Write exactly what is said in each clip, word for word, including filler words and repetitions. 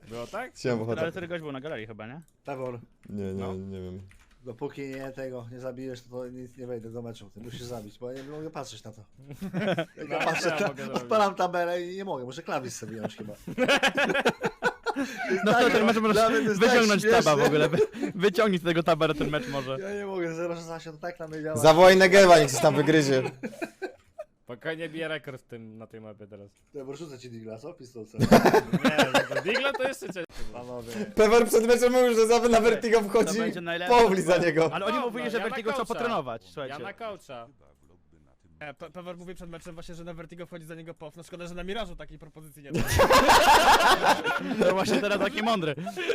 Było tak? Chciałem Ale ochotę. który gość był na galerii chyba, nie? Pewor, Nie, nie, No. nie wiem. dopóki nie tego nie zabijesz, to, to nic nie wejdę do meczu. Ty musisz zabić, bo ja nie mogę patrzeć na to. Jak ja No, patrzę, co ja mogę ta, zrobić? odpalam tabelę i nie mogę, muszę klawisz sobie wziąć chyba. No to ten mecz Dla możesz mnie to jest tak wyciągnąć śmieszne. taba w ogóle. Wy, wyciągnij z tego tabera ten mecz może. Ja nie mogę, zero szesnaście to tak na mnie działa. Zawołaj Negewa, niech się tam wygryzie. Spokojnie bije rekord w tym, na tej mapie teraz. Dobra, rzucę ci digla, co? Pistolce. Nie, no to Digla to jeszcze cię. Panowie. Pewor przed meczem mówił, że zawsze na Vertigo To wchodzi. będzie najlepsze. Powli za niego. Ale oni No, mówili, no, że ja na Vertigo trzeba coacha. potrenować, Ja słuchajcie. na coacha. E, Pe Pewor mówi przed meczem właśnie, że na Vertigo wchodzi za niego pow. No szkoda, że na Mirażu takiej propozycji nie ma. To właśnie teraz taki mądry.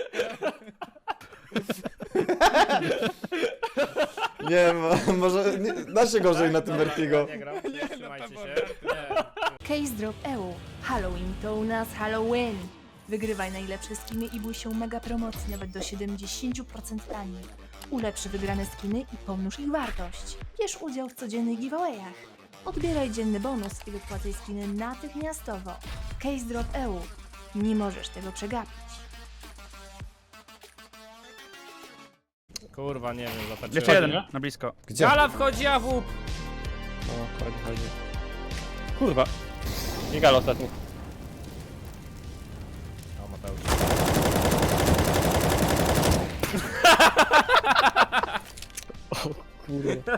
Nie, mo- może nie, da się gorzej na tym Dobra, Vertigo. Nie gram, Nie, no, trzymajcie Pewor, się. Nie. Case Drop E U. Halloween to u nas Halloween. Wygrywaj najlepsze skiny i bój się mega promocji nawet do siedemdziesiąt procent taniej. Ulepszy wygrane skiny i pomnóż ich wartość. Bierz udział w codziennych giveawayach. Odbieraj dzienny bonus i wypłacaj skiny natychmiastowo. Case Drop E U. Nie możesz tego przegapić. Kurwa, nie wiem, zapatrzyłem. Jeszcze jeden, na blisko. Gdzie? Gala wchodzi, a w łup. O, chodzi, chodzi. Kurwa. I gal ostatni. O, Mateusz. Kurwa.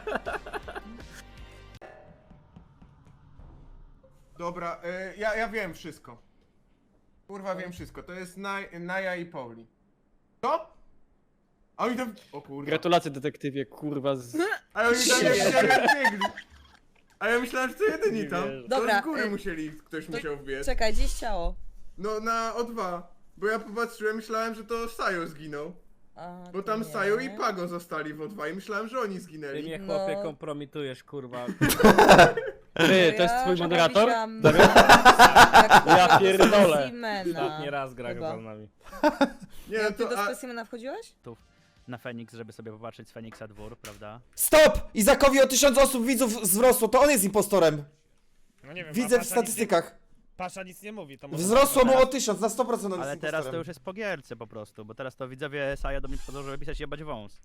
Dobra, y, ja, ja wiem wszystko. Kurwa, wiem wszystko. To jest Naj, Naja i Pauli. Co? A oni tam... O kurwa. Gratulacje detektywie, kurwa z... A oni tam jeszcze biegli. A ja myślałem, że to jedyni Nie tam. wierzę. To Dobra, z góry y, musieli, ktoś musiał wbiec. Czekaj, gdzieś ciało. No na O dwa. Bo ja popatrzyłem, myślałem, że to Sajo zginął. A, Bo to tam nie. Sajo i Pago zostali w O dwa i myślałem, że oni Ty zginęli. mnie No. chłopie kompromitujesz, kurwa. Ty, to jest Ja twój trochę moderator? wisiałam Damian? jak Ja pierdolę. Ostatni raz gra Chyba. chyba z nami. Nie, Nie, no ty do to... A, specimena wchodziłeś? Na Feniks, żeby sobie popatrzeć z Feniksa dwór, prawda? Stop! Izakowi o tysiąc osób widzów wzrosło, to on jest impostorem. No nie wiem, Widzę a w Pasza nic statystykach. Nie, Pasza nic nie mówi, to może... Wzrosło mu o tysiąc, na sto procent on Ale jest teraz to impostorem. już jest po gierce po prostu, bo teraz to widzowie Saja do mnie przychodzą, żeby pisać jebać wąs.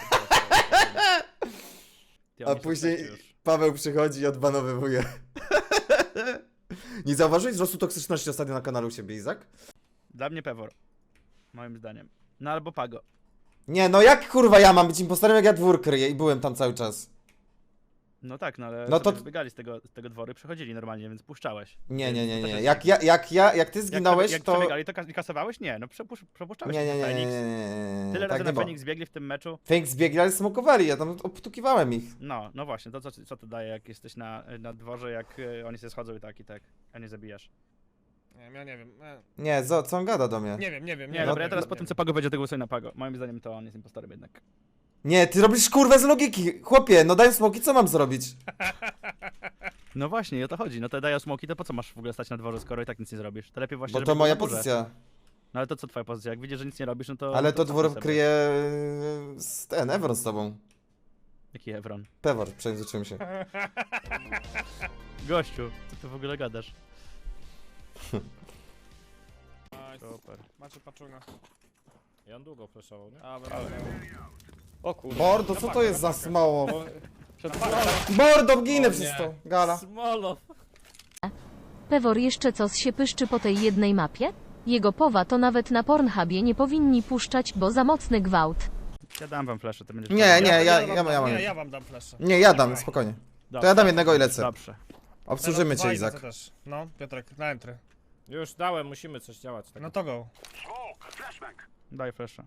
Ty, A oni są później tacy już. Paweł przychodzi i odbanowywuje. Nie zauważyłeś wzrostu toksyczności ostatnio na kanale u siebie, Izak? Dla mnie Pewor. Moim zdaniem. No albo Pago. Nie, no jak kurwa ja mam być impostorem, jak ja dwór kryję i byłem tam cały czas. No tak, no ale No no to- to biegali z tego, z tego dworu i przechodzili normalnie, więc puszczałeś. Nie, nie, nie, To też nie. jest- Jak ja, jak ja, jak ty Jak, zginąłeś, jak to... przebiegali, to kas- kasowałeś? Nie, no przepusz, przepuszczałeś Nie, nie, nie, nie, Feniks. nie, nie, nie. Tyle tak razy nie na było. Feniks biegli w tym meczu. Feniks biegli, ale smokowali, ja tam obtukiwałem ich. No, no właśnie, to co, co to daje, jak jesteś na, na dworze, jak y, oni się schodzą i tak, i tak, a nie zabijasz. Nie wiem, ja nie wiem. e, Nie, zo, co on gada do mnie? Nie wiem, nie wiem. Nie, wiem, dobra, ja nie teraz wiem, po nie tym, wiem. co Pago będzie, to głosuję na Pago. Moim zdaniem to on jest impostorem jednak. Nie, ty robisz kurwę z logiki. Chłopie, no daj smoki, co mam zrobić? No właśnie, o to chodzi. No to daję smoki, to po co masz w ogóle stać na dworze, skoro i tak nic nie zrobisz? To lepiej właśnie, Bo żeby to był moja na górze. pozycja. No ale to co twoja pozycja? Jak widzisz, że nic nie robisz, no to... Ale to co dwór sobie? kryje yy, z ten, Evron z tobą. Jaki Evron? Pewor, przejrzyczyłem się. Gościu, co ty w ogóle gadasz? Nice. Super. Macie paczuna. I on długo flashował, nie? A, dobra. O kurwa. Mordo, co to jest za smało? Przed... Mordo, ginę O przez nie. to. Gala. Smolo! Pewor jeszcze coś się pyszczy po tej jednej mapie? Jego powa to nawet na Pornhubie nie powinni puszczać, bo za mocny gwałt. Ja dam wam flaszę, to będziesz... Nie, nie, ja, ja, wam ja, dam- ja mam. Nie, ja wam dam flasza. Nie, ja dam, spokojnie. To ja dam jednego i lecę. Dobrze. Obsłużymy cię, Fajne, Izak. co też. No, Piotrek, na entry. Już dałem, musimy coś działać. Tak. No to go. Daj flasza.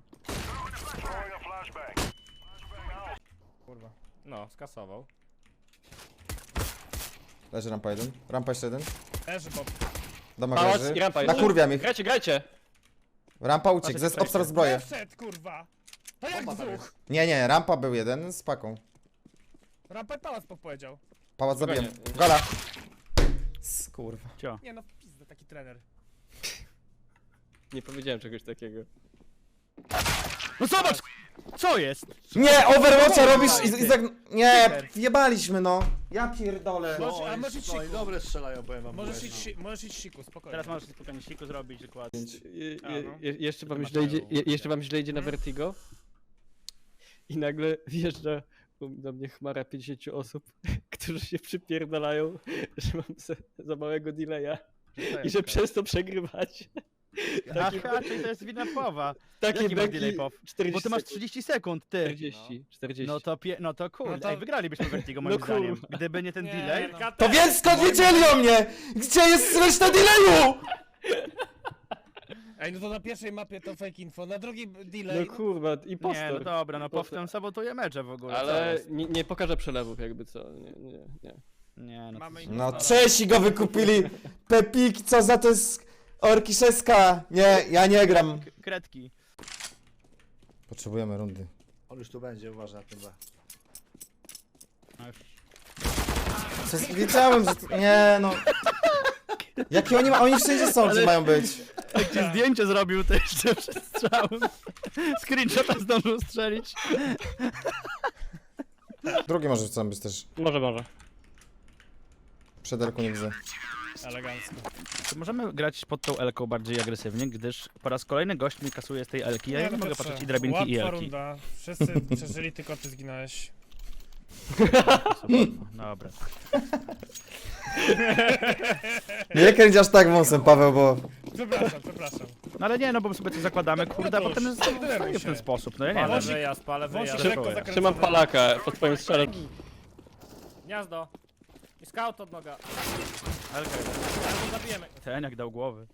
Kurwa. No, skasował. Leży rampa jeden. Rampa jeszcze jeden. Leży Bob. Domek Pałac leży. i rampa jest. Nakurwiam ich. Grajcie, grajcie! Rampa uciekł, ze obstar zbroję. Wszedł, kurwa! To jak dwóch? Nie, nie, rampa był jeden z paką. Rampę pałac powiedział. Pałac Spokojnie. zabiłem. Gala. Skurwa. Cio. Nie no, pizda, taki trener. Nie powiedziałem czegoś takiego. No zobacz! Co jest? Nie, Overwatcha robisz i, i tak... Nie, Super. wjebaliśmy no. Ja pierdolę. Możesz- No, a i- możesz iść no i siku. dobre strzelają, powiem wam. Możesz powiem, iść, no. si- możesz iść siku, spokojnie. Teraz możesz spokojnie siku zrobić dokładnie. Je, A, je, no. je, jeszcze wam Masz źle idzie, mają. je, jeszcze wam źle idzie na Mhm. Vertigo. I nagle wjeżdża do mnie chmara pięćdziesięciu osób, którzy się przypierdalają, że mam za, za małego delaya i że przez to przegrywać. Takie, Aha, czyli to jest wina Powa. takie Jaki masz beki delay, Pow? czterdzieści Bo ty masz sekund. trzydzieści sekund, ty. czterdzieści, czterdzieści. No to pie... no to kurde, No to- Ej, wygralibyśmy Vertigo moim No zdaniem. kurwa. Gdyby nie ten Nie, delay. no. To więc skąd wiedzieli o mnie? Gdzie jest reszta delayu? Ej, no to na pierwszej mapie to fake info, na drugiej delay. No kurwa, Nie, no impostor. dobra, no Pow Impostor. ten sabotuje mecze w ogóle. co Ale jest? nie, nie pokażę przelewów jakby co, nie, nie, nie. Nie, no Mamy to... ich- No Czesi go wykupili. Pepik, co za to jest Orkiszewska. Nie, ja nie gram. K- Kredki. Potrzebujemy rundy. On już tu będzie, uważaj na tym B. No już. Przez- Wiedziałem, że... to- Nie no. Jakie oni ma... Oni wszędzie są, gdzie mają być. Jak ci zdjęcie zrobił, to jeszcze przed strzałem. Screenshota zdążył strzelić. Drugi może chcą być też. Może, może. Przed Elku nie widzę. Elegancko. To możemy grać pod tą Elką bardziej agresywnie, gdyż po raz kolejny gość mi kasuje z tej Elki. Ja nie, no mogę Piotrze, patrzeć i drabinki i łatwa Elki. runda. Wszyscy przeżyli, tylko ty zginąłeś. Super, no dobra. Nie kręć aż tak wąsem, Paweł, bo... Przepraszam, przepraszam. No ale nie, no bo sobie coś zakładamy, kurde, a No to potem już, jest denerwuj fajnie w się. ten sposób, no ja nie Palę wiem. wyjazd, palę Wąsik wyjazd. lekko Trzymam zakręcony. Trzymam palaka pod twoim strzelem. Gniazdo. I scout od noga. Elka jeden. Albo zabijemy. Ten jak dał głowy.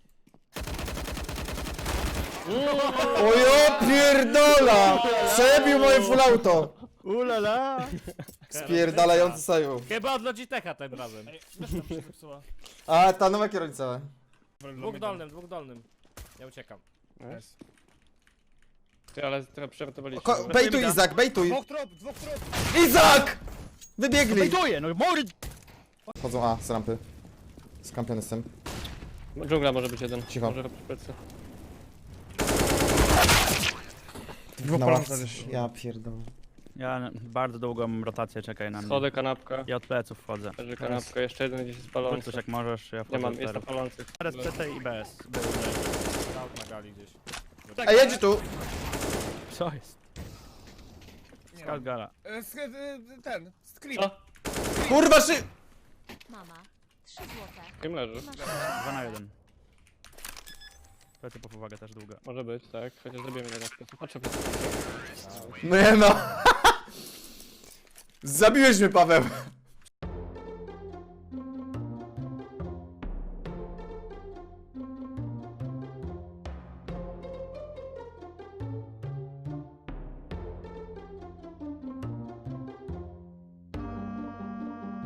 O ja pierdola! Przebił moje full auto! Ulala! Spierdalający sojusz. Chyba od Logitecha tym razem. Ej, wiesz, tam się zepsuła. A, ta nowa kierownica. Dwóch dolnym, dwóch dolnym. Ja uciekam. Nice. Ty, ale trochę przeratowaliśmy. Ko bejtuj Izak, bejtuj! Dwóch trup, dwóch trup! Izak! Wybiegli! Wejduję, no mory! Chodzą A, z rampy. Skampiony jestem. Dżungla może być jeden. Cicho. Może robić plecy. Na ławce. Ja pierdolę. Ja n- bardzo długą mam rotację, czekaj na mnie. Schody, kanapka. Ja od pleców wchodzę. Leży kanapka, jeszcze jeden gdzieś jest Rzuć palący. coś jak możesz, ja Nie wchodzę mam, od jest na teraz. palących. Teraz C T i B S. Scout na gali gdzieś. A jedź tu! Co jest? Nie Scout Gala. E, sk- e, ten, scream. Co? Kurwa szy... Mama. trzy złote. Kim leży? Masz dwa na jeden. Plecy po uwagę też długa. Może być, tak. Chociaż zrobimy jeden sposób. Patrzę, Nie no. Zabiłeś mnie, Paweł.